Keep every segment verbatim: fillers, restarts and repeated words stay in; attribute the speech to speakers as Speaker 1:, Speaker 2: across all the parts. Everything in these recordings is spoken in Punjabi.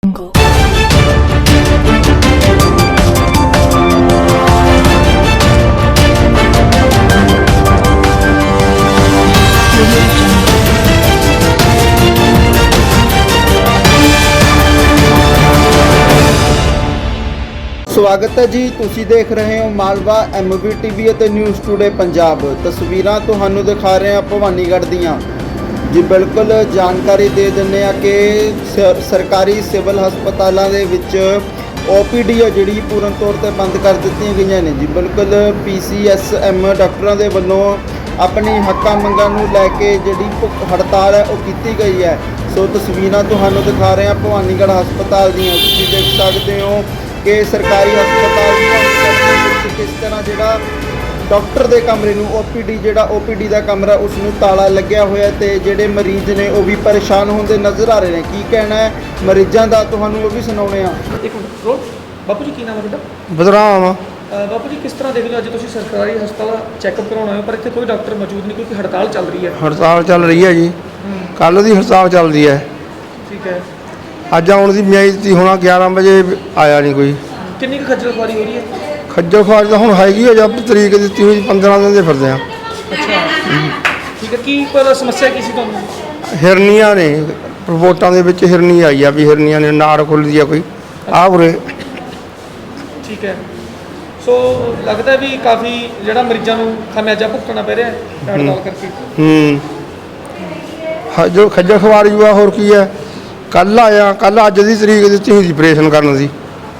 Speaker 1: स्वागत है जी। तुसी देख रहे हो Malwa M V T V ਅਤੇ न्यूज़ टुडे पंजाब। तस्वीरां ਤੁਹਾਨੂੰ दिखा रहे हैं ਭਵਾਨੀਗੜ੍ਹ ਦੀਆਂ जी। बिल्कुल जानकारी दे ਦਿੰਦੇ ਆ कि सरकारी सिविल ਹਸਪਤਾਲਾਂ ਦੇ ਵਿੱਚ ओ पी डी ਆ ਜਿਹੜੀ ਪੂਰਨ ਤੌਰ ਤੇ ਬੰਦ ਕਰ ਦਿੱਤੀਆਂ ਗਈਆਂ ਨੇ ਜੀ। ਬਿਲਕੁਲ ਪੀ ਸੀ ਐਸ ਐਮ ਡਾਕਟਰਾਂ ਦੇ ਵੱਲੋਂ ਆਪਣੀ ਹੱਕਾਂ ਮੰਗਾਂ ਨੂੰ ਲੈ ਕੇ ਜਿਹੜੀ ਭੁੱਖ ਹੜਤਾਲ ਹੈ ਉਹ ਕੀਤੀ ਗਈ ਹੈ। ਸੋ ਤਸਵੀਰਾਂ ਤੁਹਾਨੂੰ ਦਿਖਾ ਰਹੇ ਹਾਂ ਭਵਾਨੀਗੜ੍ਹ ਹਸਪਤਾਲ ਦੀਆਂ। ਤੁਸੀਂ ਦੇਖ ਸਕਦੇ ਹੋ कि सरकारी हस्पताल किस तरह जोड़ा डॉक्टर के कमरे में ओ पी डी जोड़ा ओ पी डी का कमरा उसनों ताला लग्या हुआ तो जोड़े मरीज ने वो भी परेशान होंगे नज़र आ रहे हैं। की कहना है मरीजों का तो वो भी सुनाने।
Speaker 2: एक मिनट बापू जी की नाम है ਤੁਹਾਡਾ?
Speaker 1: बदराम
Speaker 2: बापू जी किस तरह देखते हो अज तुम सरकारी हस्पताल चैकअप करवाना हो पर इतने कोई डॉक्टर मौजूद नहीं क्योंकि हड़ताल चल रही है।
Speaker 3: हड़ताल चल रही है जी, कल की हड़ताल चल रही है।
Speaker 2: ठीक है,
Speaker 3: अज आने की मियाद थी होना ग्यारह बजे आया नहीं कोई।
Speaker 2: कितनी खज्जल खुआरी हो रही है?
Speaker 3: खज्जल खुआरी तो हूँ हैगी है जब तरीक दी हुई पंद्रह दिन के फिरते हैं।
Speaker 2: अच्छा ठीक है, की पर समस्या की सी तुहानू?
Speaker 3: हिरनिया ने रिपोर्टां दे विच हिरनी आई है भी हिरनिया ने नाड़ खुलदी है कोई आ उरे।
Speaker 2: ठीक है, सो लगता है भी काफ़ी जिहड़ा मरीजों को खामियाजा भुगतना पै रहा है हड़ताल करके।
Speaker 3: हूँ जो खज्जल खुआरी हुआ होर की है। कल आया कल अज की तरीक दी हुई ऑपरेशन करने की।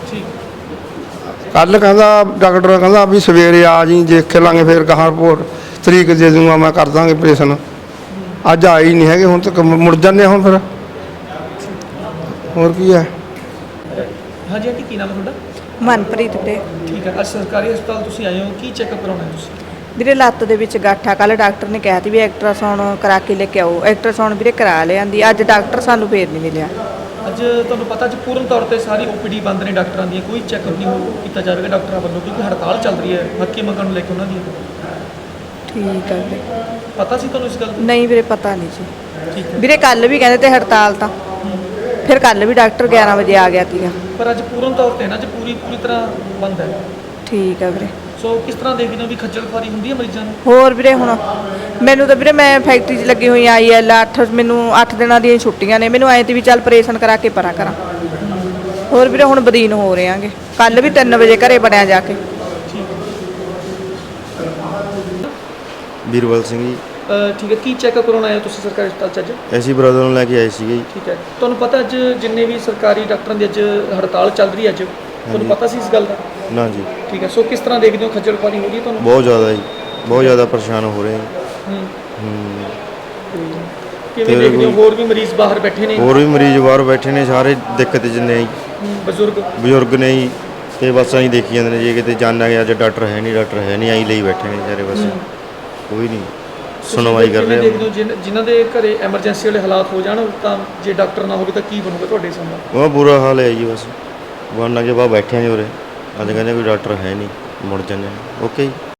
Speaker 3: कल कहता डॉक्टर कहता भी सवेरे आ जी देख लाँगे फिर कहाँ रिपोर्ट तरीक दे दूँगा मैं कर दाँगे ऑपरेशन। अज आए ही नहीं है हूँ तक मुड़ जाने हूँ फिर होर की है।
Speaker 2: हाँ जी आंटी की नाम है ਤੁਹਾਡਾ?
Speaker 4: मनप्रीत ਵੀਰੇ।
Speaker 2: ठीक है, ਅੱਜ ਸਰਕਾਰੀ ਹਸਪਤਾਲ ਤੁਸੀਂ ਆਏ ਹੋ, ਕੀ ਚੈੱਕਅਪ ਕਰਾਉਣਾ ਹੈ ਤੁਸੀਂ?
Speaker 4: ਵੀਰੇ ਲੱਤ ਦੇ ਵਿੱਚ ਗਾਠਾ ਕੱਲ ਡਾਕਟਰ ਨੇ ਕਿਹਾ ਸੀ ਵੀ ਐਕਟਰਾਸਾਊਂਡ ਕਰਾ ਕੇ ਲੈ ਕੇ ਆਓ। ਐਕਟਰਾਸਾਊਂਡ ਵੀਰੇ ਕਰਾ ਲਿਆਂਦੀ, ਅੱਜ ਡਾਕਟਰ ਸਾਨੂੰ ਫੇਰ ਨਹੀਂ ਮਿਲਿਆ।
Speaker 2: ਅੱਜ ਤੁਹਾਨੂੰ ਪਤਾ ਅੱਜ ਪੂਰਨ ਤੌਰ ਤੇ ਸਾਰੀ ਓ ਪੀ ਡੀ ਬੰਦ ਨੇ ਡਾਕਟਰਾਂ ਦੀਆਂ, ਕੋਈ ਚੈੱਕਅਪ ਨਹੀਂ ਹੋ ਕੀਤਾ ਜਾਵੇਗਾ ਡਾਕਟਰਾਂ ਵੱਲੋਂ ਕਿਉਂਕਿ ਹੜਤਾਲ ਚੱਲ ਰਹੀ ਹੈ ਹੱਕੀ ਮੰਗਾਂ ਨੂੰ ਲੈ ਕੇ ਉਹਨਾਂ ਦੀਆਂ।
Speaker 4: ਠੀਕ ਹੈ ਵੀਰੇ,
Speaker 2: ਪਤਾ ਸੀ ਤੁਹਾਨੂੰ ਇਸ ਗੱਲ ਦਾ?
Speaker 4: ਨਹੀਂ ਵੀਰੇ ਪਤਾ ਨਹੀਂ ਸੀ।
Speaker 2: ਠੀਕ ਹੈ
Speaker 4: ਵੀਰੇ ਕੱਲ ਵੀ ਕਹਿੰਦੇ ਤੇ ਹੜਤਾਲ ਤਾਂ ਫਿਰ ਕੱਲ ਵੀ ਡਾਕਟਰ ਗਿਆਰਾਂ ਵਜੇ ਆ ਗਿਆ ਸੀਗਾ।
Speaker 2: ਪਰ ਅੱਜ ਪੂਰਨ ਤੌਰ ਤੇ ਨਾ ਅੱਜ ਪੂਰੀ ਪੂਰੀ ਤਰ੍ਹਾਂ ਬੰਦ ਹੈ।
Speaker 4: ਠੀਕ ਹੈ ਵੀਰੇ।
Speaker 2: ਸੋ ਕਿਸ ਤਰ੍ਹਾਂ ਦੇਖਦੇ ਹੋ ਵੀ ਖੱਜਲ ਖੁਆਰੀ ਹੁੰਦੀ ਹੈ ਮਰੀਜ਼ਾਂ ਨੂੰ?
Speaker 4: ਹੋਰ ਵੀਰੇ ਹੁਣ ਮੈਨੂੰ ਤਾਂ ਵੀਰੇ ਮੈਂ ਫੈਕਟਰੀ 'ਚ ਲੱਗੀ ਹੋਈ ਆਈ ਐਲ ਅੱਠ ਮੈਨੂੰ ਅੱਠ ਦਿਨਾਂ ਦੀਆਂ ਛੁੱਟੀਆਂ ਨੇ। ਮੈਨੂੰ ਐਂ ਤੇ ਵੀ ਚੱਲ ਆਪਰੇਸ਼ਨ ਕਰਾ ਕੇ ਪਰਾਂ ਕਰਾਂ। ਹੋਰ ਵੀਰੇ ਹੁਣ ਬਦੀਨ ਹੋ ਰਹੇ ਆਂਗੇ। ਕੱਲ ਵੀ ਤਿੰਨ ਵਜੇ ਘਰੇ ਬਣਿਆ ਜਾ ਕੇ।
Speaker 5: ਵੀਰਵਲ ਸਿੰਘ ਜੀ।
Speaker 2: ਠੀਕ ਹੈ, ਕੀ ਚੈੱਕਅਪ ਕਰਾਉਣ ਆਏ ਹੋ ਤੁਸੀਂ ਸਰਕਾਰੀ ਹਸਪਤਾਲ 'ਚ ਅੱਜ?
Speaker 5: ਅਸੀਂ ਬ੍ਰਦਰ ਨੂੰ ਲੈ ਕੇ ਆਏ ਸੀਗੇ ਜੀ।
Speaker 2: ਠੀਕ ਹੈ, ਤੁਹਾਨੂੰ ਪਤਾ ਅੱਜ ਜਿੰਨੇ ਵੀ ਸਰਕਾਰੀ ਡਾਕਟਰਾਂ ਦੀ ਅੱਜ ਹੜਤਾਲ ਚੱਲ ਰਹੀ ਹੈ ਅੱਜ ਤੁਹਾਨੂੰ ਪਤਾ ਸੀ ਇਸ ਗੱਲ ਦਾ?
Speaker 5: ਨਾ ਜੀ।
Speaker 2: ਠੀਕ ਹੈ, ਸੋ ਕਿਸ ਤਰ੍ਹਾਂ ਦੇਖਦੇ ਹੋ ਖੱਜਲ ਖੁਆਰੀ ਹੋ ਰਹੀ ਹੈ ਤੁਹਾਨੂੰ?
Speaker 5: ਬਹੁਤ ਜ਼ਿਆਦਾ ਜੀ, ਬਹੁਤ ਜ਼ਿਆਦਾ ਪਰੇਸ਼ਾਨ ਹੋ ਰਹੇ ਹਾਂ।
Speaker 2: ਹੂੰ
Speaker 5: ਹੂੰ
Speaker 2: ਕਿਵੇਂ ਦੇਖਦੇ ਹੋ ਹੋਰ ਵੀ ਮਰੀਜ਼ ਬਾਹਰ ਬੈਠੇ ਨੇ?
Speaker 5: ਹੋਰ ਵੀ ਮਰੀਜ਼ ਬਾਹਰ ਬੈਠੇ ਨੇ, ਸਾਰੇ ਦਿੱਕਤ ਜਿੰਨੇ ਜੀ
Speaker 2: ਬਜ਼ੁਰਗ
Speaker 5: ਬਜ਼ੁਰਗ ਨੇ ਜੀ ਤੇ ਬਸ ਅਸੀਂ ਦੇਖੀ ਜਾਂਦੇ ਨੇ ਜੇ ਕਿਤੇ ਜਾਣਾ ਗਿਆ ਅੱਜ ਡਾਕਟਰ ਹੈ ਨਹੀਂ ਡਾਕਟਰ ਹੈ ਨਹੀਂ ਆਈ ਲਈ ਬੈਠੇ ਨੇ ਸਾਰੇ ਬਸ ਕੋਈ ਨਹੀਂ ਸੁਣਵਾਈ ਕਰ ਰਹੇ।
Speaker 2: ਦੇਖਦੇ ਹੋ ਜਿਨ੍ਹਾਂ- ਜਿਨ੍ਹਾਂ ਦੇ ਘਰੇ ਐਮਰਜੈਂਸੀ ਵਾਲੇ ਹਾਲਾਤ ਹੋ ਜਾਣ ਤਾਂ ਜੇ ਡਾਕਟਰ ਨਾ ਹੋਵੇ ਤਾਂ ਕੀ ਬਣੂਗਾ ਤੁਹਾਡੇ ਸਾਹਮਣੇ?
Speaker 5: ਉਹ ਬੁਰਾ ਹਾਲ ਹੈ ਜੀ ਬਸ ਬਣਨਾ ਕੇ ਬਾਹਰ ਬੈਠੇ ਨੇ ਉਰੇ ਅੱਜ ਕਹਿੰਦੇ ਕੋਈ ਡਾਕਟਰ ਹੈ ਨਹੀਂ ਮੁੜ ਜਾਂਦੇ ਓਕੇ ਜੀ।